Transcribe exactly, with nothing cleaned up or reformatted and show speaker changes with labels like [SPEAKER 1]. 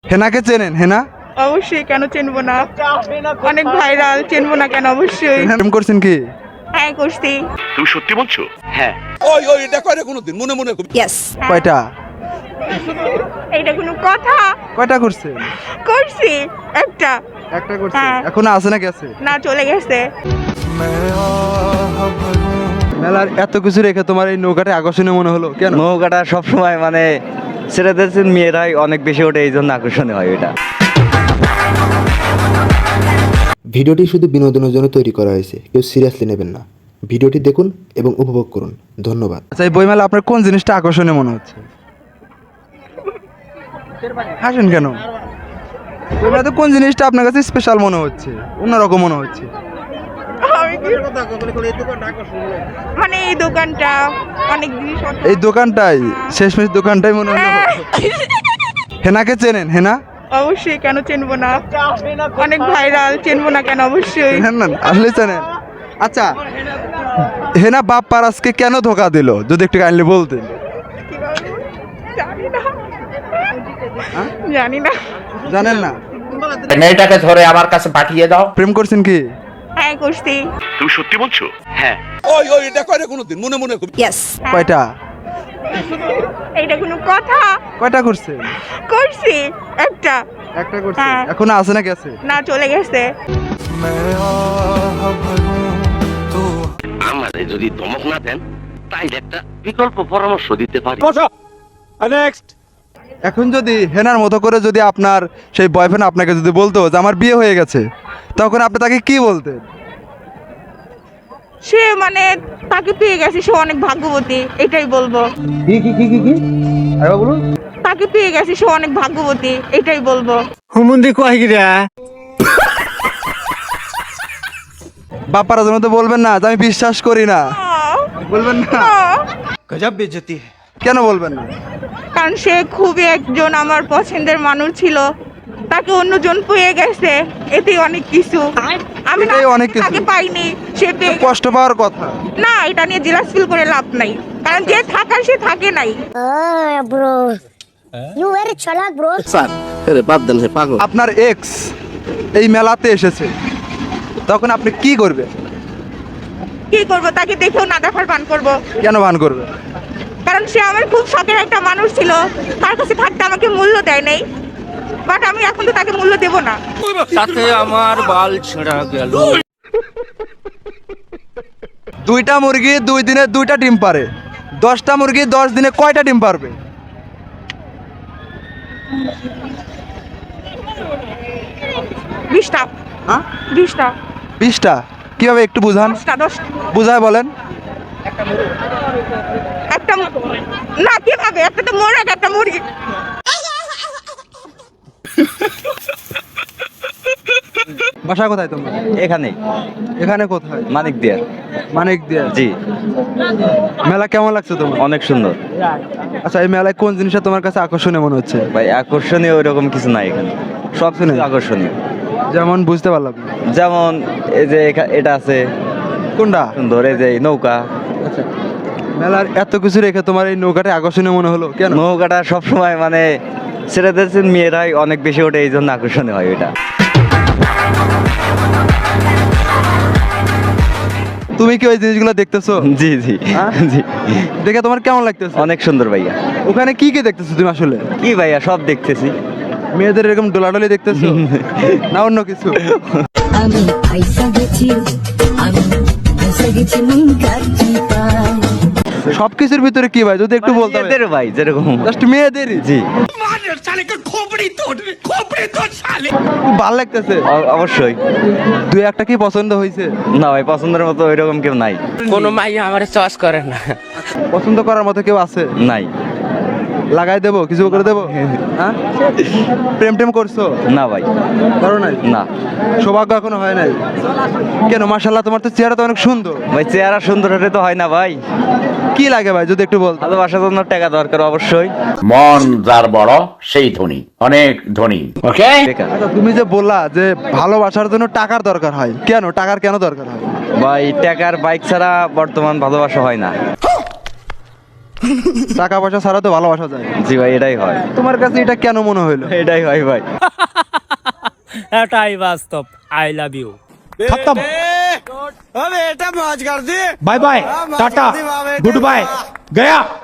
[SPEAKER 1] হেনাকে চেনেন? হেনা
[SPEAKER 2] অবশ্যই, কেন চিনবো না? অনেক ভাইরাল, চিনবো না কেন? অবশ্যই।
[SPEAKER 1] প্রেম করছেন কি?
[SPEAKER 2] হ্যাঁ, করছি।
[SPEAKER 3] তুমি সত্যি বলছো? হ্যাঁ।
[SPEAKER 4] ওই ওই এটা করে কোনোদিন মনে মনে
[SPEAKER 2] ইয়েস।
[SPEAKER 1] কয়টা?
[SPEAKER 2] এইটা কোনো কথা?
[SPEAKER 1] কয়টা করছেন?
[SPEAKER 2] করছি একটা।
[SPEAKER 1] একটা করছেন?
[SPEAKER 2] হ্যাঁ।
[SPEAKER 1] এখনো আছে না গেছে?
[SPEAKER 2] না, চলে গেছে।
[SPEAKER 1] মেলার এত কিছু রেখে তোমার এই নৌকাটা আকর্ষণীয় মনে হলো কেন?
[SPEAKER 5] নৌকাটা সবসময় মানে ছেলেদের চেয়ে মেয়েরাই অনেক বেশি ওঠে, এই জন্য আকর্ষণীয় হয় এটা।
[SPEAKER 6] ভিডিওটি শুধু বিনোদনের জন্য তৈরি করা হয়েছে, কেউ সিরিয়াসলি নেবেন না। ভিডিওটি দেখুন এবং উপভোগ করুন। ধন্যবাদ।
[SPEAKER 1] আচ্ছা, এই বইমেলা আপনার কোন জিনিসটা আকর্ষণীয় মনে হচ্ছে? হাসেন কেন? বইমেলাতে কোন জিনিসটা আপনার কাছে স্পেশাল মনে হচ্ছে, অন্যরকম মনে হচ্ছে?
[SPEAKER 2] আমি কি- মানে এই দোকানটা অনেক জিনিস।
[SPEAKER 1] এই দোকানটাই, শেষমেশ দোকানটাই মনে হলো। হেনাকে চেনেন? হেনা
[SPEAKER 2] অবশ্যই, কেন চিনবো না? অনেক ভাইরাল, চিনবো না কেন? অবশ্যই।
[SPEAKER 1] চেনেন না? আসলে চেনেন। আচ্ছা, হেনা বাপ পারাসকে কেন ধোকা দিল যদি একটু কাইন্ডলি বলতেন?
[SPEAKER 2] জানি না, জানি না।
[SPEAKER 1] জানেন না?
[SPEAKER 3] মেয়েটাকে ধরে আমার কাছে পাঠিয়ে দাও।
[SPEAKER 1] প্রেম করছেন কি?
[SPEAKER 2] হ্যাঁ, করছি।
[SPEAKER 3] তুমি সত্যি বলছো? হ্যাঁ।
[SPEAKER 4] ওই ওই এটা করে কোনোদিন মনে মনে
[SPEAKER 2] ইয়েস।
[SPEAKER 1] কয়টা?
[SPEAKER 2] এইটা কোনো কথা?
[SPEAKER 1] কয়টা করছেন?
[SPEAKER 2] করছি একটা।
[SPEAKER 1] একটা করছেন?
[SPEAKER 2] হ্যাঁ।
[SPEAKER 1] এখনো আছে না গেছে?
[SPEAKER 2] না, চলে গেছে।
[SPEAKER 3] আমাদের যদি ধমক না দেন তাইলে একটা বিকল্প পরামর্শ দিতে পারি।
[SPEAKER 1] এখন যদি হেনার মতো করে যদি আপনার সেই বয়ফ্রেন্ড আপনাকে যদি বলতো যে আমার বিয়ে হয়ে গেছে, তখন আপনি তাকে কি বলতেন?
[SPEAKER 2] সে মানে তাকে পেয়ে গেছে, সে অনেক ভাগ্যবতী, এটাই বলবো।
[SPEAKER 1] কি কি কি কি কি আরে বলুন।
[SPEAKER 2] তাকে পেয়ে গেছে, সে অনেক ভাগ্যবতী, এটাই বলবো।
[SPEAKER 1] বাপ্পারা যেন তো বলবেন না যে আমি বিশ্বাস করি না,
[SPEAKER 2] আহ,
[SPEAKER 1] বলবেন না?
[SPEAKER 2] আহ,
[SPEAKER 1] কেন বলবেন না?
[SPEAKER 2] কারণ সে খুবই একজন আমার পছন্দের মানুষ ছিল, তাকে অন্যজন পেয়ে গেছে, এতেই অনেক কিছু। আমি না
[SPEAKER 1] এটাই অনেক কিছু।
[SPEAKER 2] তাকে পাইনি, সে পেয়ে গেছে।
[SPEAKER 1] কষ্ট পাওয়ার কথা।
[SPEAKER 2] না, এটা নিয়ে জেলাস ফিল করে লাভ নাই, কারণ যে থাকার সে থাকে নাই।
[SPEAKER 7] Ah, bro. You very chalak, bro.
[SPEAKER 1] আপনার এক্স এই মেলাতে এসেছে, তখন আপনি কি করবে?
[SPEAKER 2] কি করবো? তাকে দেখেও না দেখার পান করবো,
[SPEAKER 1] কেন ভান করবে?
[SPEAKER 2] কারণ সে আমার খুব শখের একটা মানুষ ছিল, তার কাছে থাকতে আমাকে মূল্য দেয় নাই, বাট আমি এখন তো তাকে মূল্য দেবো না।
[SPEAKER 5] সাথে আমার বাল ছেঁড়া গেল।
[SPEAKER 1] দুইটা মুরগি দুই দিনে দুইটা ডিম পারে, দশটা মুরগি দশ দিনে কয়টা ডিম পারবে?
[SPEAKER 2] বিশটা।
[SPEAKER 1] হ্যাঁ,
[SPEAKER 2] বিশটা।
[SPEAKER 1] বিশটা। কিভাবে একটু বুঝান,
[SPEAKER 2] দশটা। দশটা।
[SPEAKER 1] বুঝায় বলেন।
[SPEAKER 2] একটা মু- না, কিভাবে? একটা তো মোরগ, একটা মুরগি।
[SPEAKER 1] বাসা কোথায় তোমার?
[SPEAKER 5] এখানেই
[SPEAKER 1] এখানে কোথায়?
[SPEAKER 5] মানিক দিয়ার।
[SPEAKER 1] মানিক দিয়া।
[SPEAKER 5] জি,
[SPEAKER 1] মেলা কেমন লাগছে তোমার?
[SPEAKER 5] অনেক সুন্দর
[SPEAKER 1] আচ্ছা, এই মেলায় কোন জিনিসটা তোমার কাছে আকর্ষণীয় মনে হচ্ছে?
[SPEAKER 5] ভাই। আকর্ষণীয় ওইরকম কিছু নাই এখানে, সব কিছু আকর্ষণীয়।
[SPEAKER 1] যেমন বুঝতে পারলাম না।
[SPEAKER 5] যেমন এই যে এখা- এটা আছে
[SPEAKER 1] কোনটা?
[SPEAKER 5] সুন্দর, এই যে এই নৌকা।
[SPEAKER 1] আচ্ছা, মেলার এত কিছু রেখে তোমার এই নৌকাটা আকর্ষণীয় মনে হলো কেন?
[SPEAKER 5] নৌকাটা সবসময় মানে ছেলেদের চেয়ে মেয়েরাই অনেক বেশি ওঠে, এই জন্য আকর্ষণীয় হয় এটা।
[SPEAKER 1] তুমি কি ওই জিনিসগুলো দেখতেছো?
[SPEAKER 5] জি জি
[SPEAKER 1] হ্যাঁ?
[SPEAKER 5] জি,
[SPEAKER 1] দেখে তোমার কেমন লাগতেছে?
[SPEAKER 5] অনেক সুন্দর ভাইয়া।
[SPEAKER 1] ওখানে কি কি দেখতেছো তুমি আসলে?
[SPEAKER 5] কি ভাইয়া, সব দেখতেছি।
[SPEAKER 1] মেয়েদের এরকম ডোলাডলি দেখতেছো না অন্য কিছু?
[SPEAKER 7] আমি পয়সা গেছি, আমি পয়সা গেছি মন কাটি পায়।
[SPEAKER 1] সবকিছুর ভিতরে কি ভাই যদি একটু বলতে
[SPEAKER 5] মেয়েদের ভাই যেরকম।
[SPEAKER 1] জাস্ট মেয়েদেরই?
[SPEAKER 5] জি,
[SPEAKER 1] খুব ভালো লাগতেছে।
[SPEAKER 5] অ- অবশ্যই।
[SPEAKER 1] দুই একটা কি পছন্দ হয়েছে?
[SPEAKER 5] না ভাই, পছন্দের মতো ওইরকম কেউ নাই।
[SPEAKER 8] কোনো মাইয়া আমার চয়েস করে না।
[SPEAKER 1] পছন্দ করার মতো কেউ আছে?
[SPEAKER 5] নাই।
[SPEAKER 1] লাগাই দেবো, কিছু করে দেবো? হ্যাঁ, প্রেম টেম করছো?
[SPEAKER 5] না ভাই,
[SPEAKER 1] করো নাই?
[SPEAKER 5] না
[SPEAKER 1] সৌভাগ্য এখনো হয় নাই কেন? মাশাআল্লাহ, তোমার তো চেহারা তো অনেক সুন্দর।
[SPEAKER 5] ভাই, চেহারা সুন্দর হলে তো হয় না ভাই।
[SPEAKER 1] কি লাগে ভাই যদি একটু বলতো?
[SPEAKER 5] ভালোবাসার জন্য টাকা দরকার অবশ্যই।
[SPEAKER 3] মন যার বড় সেই ধনী, অনেক ধনী। ওকে।
[SPEAKER 5] বেকার
[SPEAKER 1] আচ্ছা, তুমি যে বললা যে ভালোবাসার জন্য টাকার দরকার হয়, কেন? টাকার কেন দরকার হয়?
[SPEAKER 5] ভাই, টাকার বাইক ছাড়া বর্তমান ভালোবাসা হয় না।
[SPEAKER 1] টাকা পয়সা ছাড়া তো ভালোবাসা যায় না।
[SPEAKER 5] জি ভাই, এটাই হয়,
[SPEAKER 1] তোমার কাছে এটা কেন মনে হলো?
[SPEAKER 5] এটাই হয় ভাই।
[SPEAKER 9] এটাই বাস্তব। I love you.
[SPEAKER 10] खत्म bye bye tata goodbye गया।